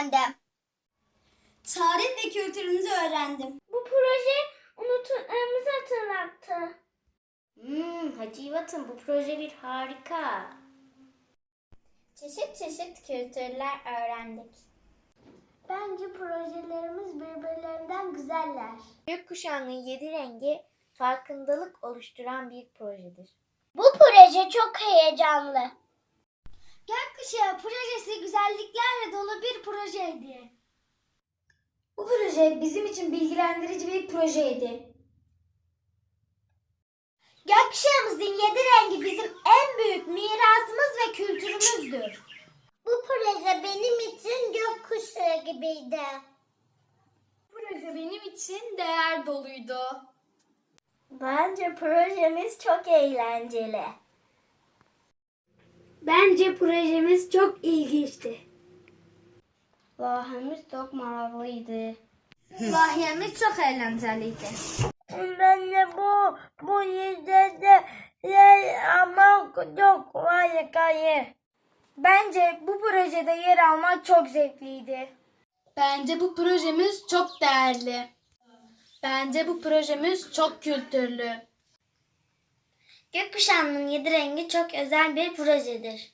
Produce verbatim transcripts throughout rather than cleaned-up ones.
öğrendim. Tarih ve kültürümüzü öğrendim. Bu proje unuttuklarımızı hatırlattı. Hmm, Hacı Yivat'ın bu proje bir harika. Çeşit çeşit kültürler öğrendik. Bence projelerimiz birbirlerinden güzeller. Gökkuşağının yedi rengi farkındalık oluşturan bir projedir. Bu proje çok heyecanlı. Gökkuşağı projesi güzelliklerle dolu bir projeydi. Bu proje bizim için bilgilendirici bir projeydi. Gökkuşağımızın yedi rengi bizim en büyük mirasımız ve kültürümüzdür. Bu proje benim için gökkuşağı gibiydi. Bu proje benim için değer doluydu. Bence projemiz çok eğlenceli. Bence projemiz çok ilginçti. Vahimiz çok maraklıydı. Vahyemiz çok eğlenceliydi. Bence bu bu yedide yer almak çok harikaydı. Bence bu projede yer almak çok zevkliydi. Bence bu projemiz çok değerli. Bence bu projemiz çok kültürlü. Gökkuşağının yedi rengi çok özel bir projedir.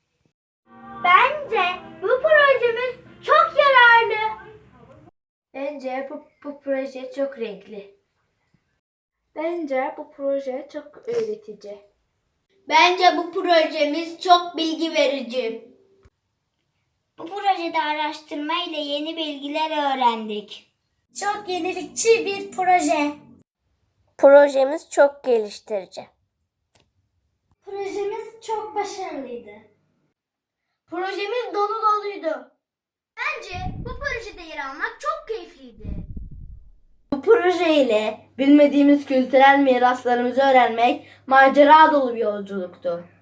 Bence bu projemiz çok yararlı. Bence bu, bu proje çok renkli. Bence bu proje çok öğretici. Bence bu projemiz çok bilgi verici. Bu projede araştırma ile yeni bilgiler öğrendik. Çok yenilikçi bir proje. Projemiz çok geliştirici. Projemiz çok başarılıydı. Projemiz dolu doluydu. Bence bu projede yer almak çok keyifliydi. Bu proje ile bilmediğimiz kültürel miraslarımızı öğrenmek macera dolu bir yolculuktu.